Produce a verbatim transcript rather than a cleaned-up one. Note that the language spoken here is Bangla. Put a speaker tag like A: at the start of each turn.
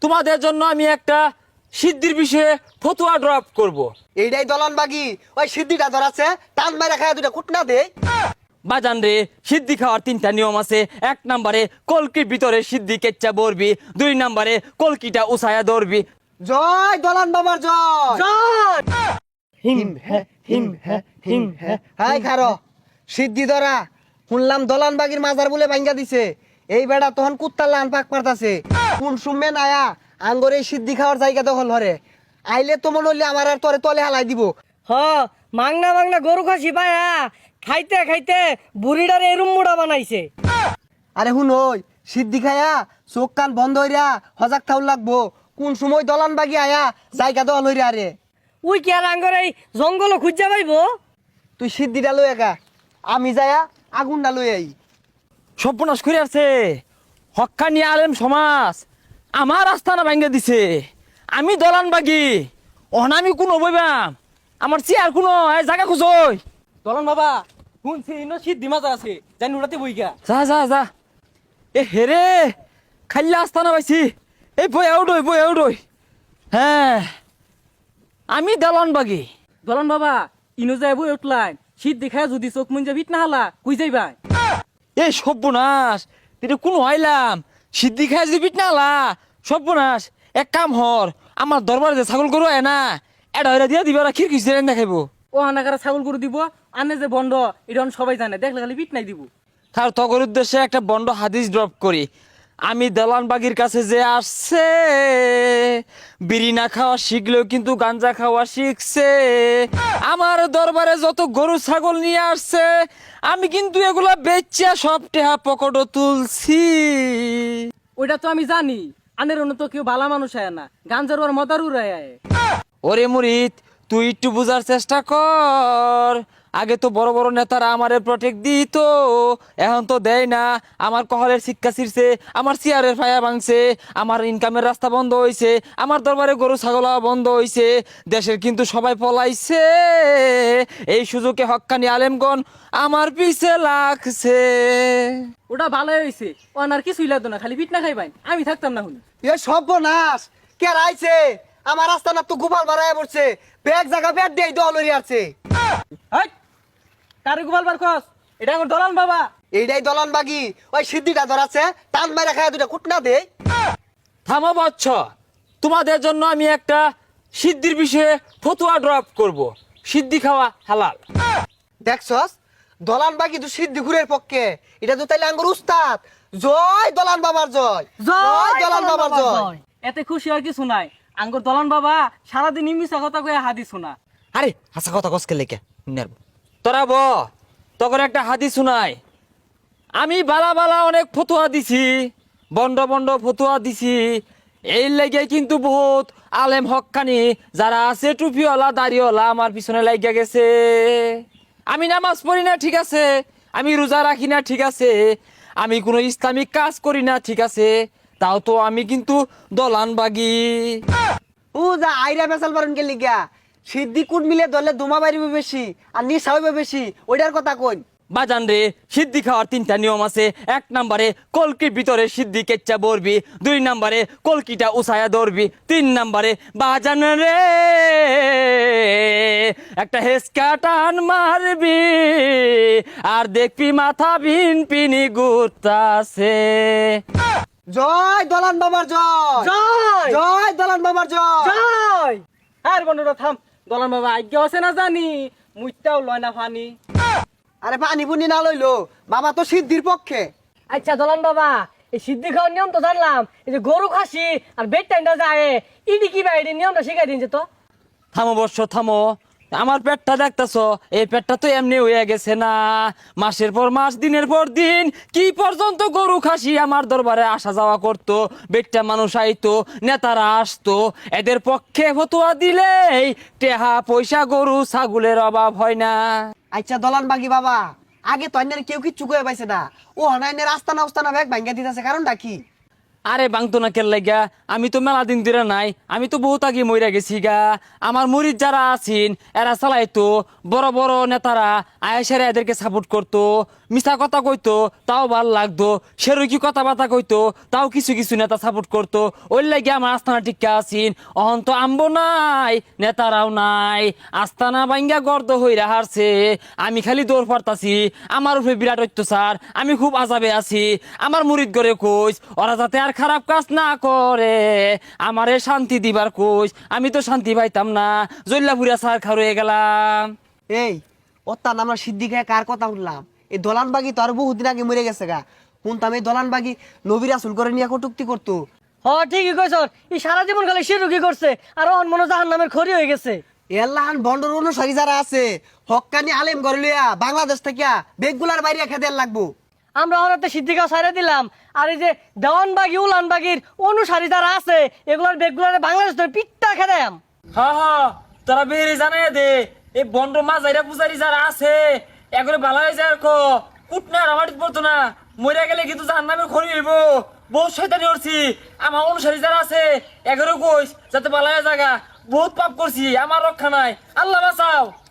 A: তোমাদের জন্য আমি একটা সিদ্ধির বিষয়ে ফতুয়া ড্রপ করব।
B: এইটাই দলন বাগি ওই সিদ্ধিটা ধরাছে টান মারা খায় দুটা কুটনা দে।
A: বাজান রে, সিদ্ধি খাওয়ার তিনটা নিয়ম আছে। এক নম্বরে কলকির ভিতরে সিদ্ধি কেচ্চা বরবি, দুই নম্বরে কলকিটা উসায়া ধরবি।
B: জয় দলান বাবার জয়
A: জয়!
B: হিম হে হিম হে হিম হে হাই খারো সিদ্ধি ধরা শুনলাম দলান বাগির মাজার বলে ভাঙ্গা দিছে। এই বেড়া তখন কুত্তার লান পাক পারতাছে কোন সুমে নায়া আঙ্গরে সিদ্ধি খাওয়ার জায়গা দখল হরে আইলে তো মনে হইলে আমার আর তোরে তলে হালাই দিব।
C: হ মাংনা মাংনা গরু খাসি পায়া খাইতে খাইতে বুড়িটারে এরুম মুড়া বানাইছে।
B: আরে হুন ওই সিদ্ধি খায়া চোখ কান বন্ধ হইরা হজাক থাউল লাগবো কোন সময় দলান বাগি আয়া জায়গা দখল হইরা আরে
C: উই কি আর আঙ্গর এই জঙ্গল খুঁজা পাইব?
B: তুই সিদ্ধিটা লই একা আমি যায়া আগুনটা লই আই।
A: সর্বনাশ করে আছে হক্কানি আলেম সমাজ আমার আস্থানা ভাঙ্গে দিছে। আমি দলান বাগি অনামি কোনো বইবাম আমার চেয়ার কোনো জায়গা খুঁজই।
D: দলন বাবা শুনছি ইনো সিদ্ধি মাজার আছে জানি উড়াতে বইগা।
A: যা যা যা এ হেরে খাইলা আস্থানা পাইছি। এই বই আউডই বই আউডই। হ্যাঁ আমি দলান বাগি।
D: দলন বাবা ইনো যায় বই উঠলাই সিদ্ধি খায় যদি চোখ মুঞ্জা ভিট না হালা কুই যাইবা।
A: এই সর্বনাশ এটা কোনো আইলাম সিদ্ধি খাই যদি পিট নালা সর্বনাশ। এক কাম হর আমার দরবারে যে ছাগল গরু আয় না এটা হইরা দিয়া দিবা খির খিচ দেখাইবো।
D: ও হানাকারা ছাগল গরু দিব আনে যে বন্ধ এটা সবাই জানে দেখলে খালি পিট নাই দিব।
A: তার তগর উদ্দেশ্যে একটা বন্ড হাদিস ড্রপ করি। আমি দালান বাগির কাছে যে আসছে বিড়ি না খাওয়া শিখলেও কিন্তু গাঞ্জা খাওয়া শিখছে। আমার দরবারে যত গরু ছাগল নিয়ে আসছে আমি কিন্তু এগুলা বেচা সব টেহা পকেটও তুলছি।
D: ওইটা তো আমি জানি আনের অন্য তো কেউ ভালো মানুষ আয় না গাঞ্জার ওর মদার উড়ায় আয়।
A: ওরে মুরিদ তুই একটু বুঝার চেষ্টা কর। আগে তো বড় বড় নেতারা আমারে প্রটেক্ট দিত, এখন তো দেয় না। আমার কহলের শিক্ষা ছিড়ছে, আমার চেয়ারের ফায়া ভাঙছে, আমার ইনকামের রাস্তা বন্ধ হয়েছে, আমার দরবারে গরু ছাগল বন্ধ হয়েছে। দেশের কিন্তু সবাই পলাইছে। এই সুযোগে হক্কানি আলেমগণ আমার পিছে লাগছে।
D: ওটা ভালোই হয়েছে ও আর কিছুই লাগতো না খালি পিট না খাইবাই আমি থাকতাম না শুনি।
B: এ সর্বনাশ কে রাইছে আমার রাস্তা না তো গোপাল বাড়ায় পড়ছে ব্যাগ জায়গা ব্যাগ দেই দল হইরা আছে।
D: হাই কারে গোপাল বার খস এটা আমার দলান বাবা।
B: এইটাই দলন বাগি ওই সিদ্ধিটা ধরাছে টান মারা খায় দুটা কুটনা দে।
A: থামো বচ্চ, তোমাদের জন্য আমি একটা সিদ্ধির বিষয়ে ফতুয়া ড্রপ করব। সিদ্ধি খাওয়া হালাল।
B: দেখছস দলান বাগি তো সিদ্ধি ঘুরের পক্ষে এটা তো তাইলে আঙ্গুর উস্তাদ। জয় দলান বাবার জয় জয় দলান বাবার জয়।
D: এতে খুশি আর কিছু নাই আঙ্গুর দলান বাবা সারাদিন মিশা কথা কয়ে হাদি শোনা।
A: আরে হাসা কথা কসকে লেখা তোরা ব তখন একটা হাদিস শুনাই। আমি বালা বালা অনেক ফতুয়া দিছি, বন্ড বন্ড ফতুয়া দিছি। এই লেগে কিন্তু বহুত আলেম হক্কানি যারা আছে টুপিওয়ালা দাড়িওয়ালা আমার পিছনে লাগিয়া গেছে। আমি নামাজ পড়ি না ঠিক আছে, আমি রোজা রাখি না ঠিক আছে, আমি কোনো ইসলামিক কাজ করি না ঠিক আছে, তাও তো আমি কিন্তু দলান বাগি।
B: ও যা আইরা বেসাল পারেন কে লিগা সিদ্ধি কুট মিলে দলে দুমা বাড়িবে বেশি আর নিশা হইবে বেশি ওইটার কথা কই।
A: বাজান রে, সিদ্ধি খাওয়ার তিনটা নিয়ম আছে। এক নম্বরে কলকির ভিতরে সিদ্ধি কেচ্চা বরবি, দুই নম্বরে কলকিটা উসায়া ধরবি, তিন নম্বরে বাজান রে একটা হেসকা টান মারবি আর দেখবি মাথা ভিন পিনি ঘুরতাছে।
B: জয় দলান বাবার জয়
C: জয়
B: জয় দলান বাবার জয়।
C: জয়
D: আর বন্ধুরা থাম দলান বাবা আজ্ঞা আছে না জানি মুইটাও লয় না ফানি।
B: আরে পানি পুনি না লইলো বাবা তো সিদ্ধির পক্ষে।
C: আচ্ছা দলান বাবা এই সিদ্ধি খাওয়ার নিয়ম তো জানলাম, এই যে গরু খাসি আর বেড টাইমটা যায় ইডি কি ভাই এই নিয়মটা শিখাই দিন যে তো।
A: থামো বর্ষ থামো, আমার পেটটা দেখতেছ, এই পেটটা তো এমনি হয়ে গেছে না। মাসের পর মাস দিনের পর দিন কি পর্যন্ত গরু খাসি আমার দরবারে আসা যাওয়া করতো, বেটটা মানুষ আইতো, নেতারা আসতো। এদের পক্ষে ফতুয়া দিলেই টেহা পয়সা গরু ছাগলের অভাব হয় না।
B: আচ্ছা দলান বাগি বাবা আগে তো অন্যের কেউ কিচ্ছু কয়ে পাইছে না ও হনাইনের আস্তানা উস্তানা ব্যাগ ভাঙ্গা দিতেছে কারণটা কি?
A: আরে বাংতো না কেল লাগা, আমি তো মেলা দিন ধরে নাই, আমি তো বহুত আগে মইরা গেছি গা। আমার মুরিদ যারা আছেন এরা চালাইতো, বড় বড় নেতারা আয়েসারে এদেরকে সাপোর্ট করতো, মিছা কথা কইতো তাও ভাল লাগতো, সেরকি কথাবার্তা কইতো তাও কিছু কিছু নেতা সাপোর্ট করতো। ওই লাগে আমার আস্থানা টিকা আছেন। অহন তো আম্বো নাই, নেতারাও নাই, আস্তানা বাইঙ্গা গর্দ হইরা হারছে। আমি খালি দৌড় পারতাছি, আমার উপরে বিরাট অত্যাচার, আমি খুব আজাবে আছি। আমার মুরিদ করে কইস ওরা যাতে আর খারাপ কাজ না করে, আমারে শান্তি দিবার কইস। আমি তো শান্তি পাইতাম না, জল্লাপুরিয়া সার খার হয়ে গেলাম।
B: এই ওত্তান আমরা সিদ্ধি খেয়ে কার কথা শুনলাম? এই দলানবাগি তো আর বহুদিন আগে মরে গেছে গা। শুনতাম এই দলানবাগি নবীর আসল করে নিয়ে কটুক্তি করতো।
C: হ ঠিকই কইছ, এই সারা জীবন খালি শিরুকি করছে আর অহন মনে জাহান নামের খড়ি হয়ে গেছে।
B: এল্লাহান বন্ডর অনুসারী যারা আছে হক্কানি আলেম করে লইয়া বাংলাদেশ থেকে বেগগুলার বাইরে খেতে লাগবো।
C: আমরা অনেকটা সিদ্ধিকা সাইরে দিলাম, আর এই যে দেওয়ানবাগি উলানবাগির অনুসারী যারা আছে এগুলোর বেগগুলার বাংলাদেশ ধরে পিঠটা খেদাম।
A: হা হা, তোরা বেরে জানাই দে, এই বন্ড মাঝাইরা পূজারি যারা আছে এগুলো ভালো হয়ে যায়। কুটনা আমার পড়তো না, মরে গেলে কিন্তু জাহান নামে খড়ি হইব। বহুত শয়তানি করছি, আমার অনুসারী যারা আছে এগারো কইস যাতে ভালো হয়ে জায়গা। বহুত পাপ করছি, আমার রক্ষা নাই, আল্লাহ বাঁচাও।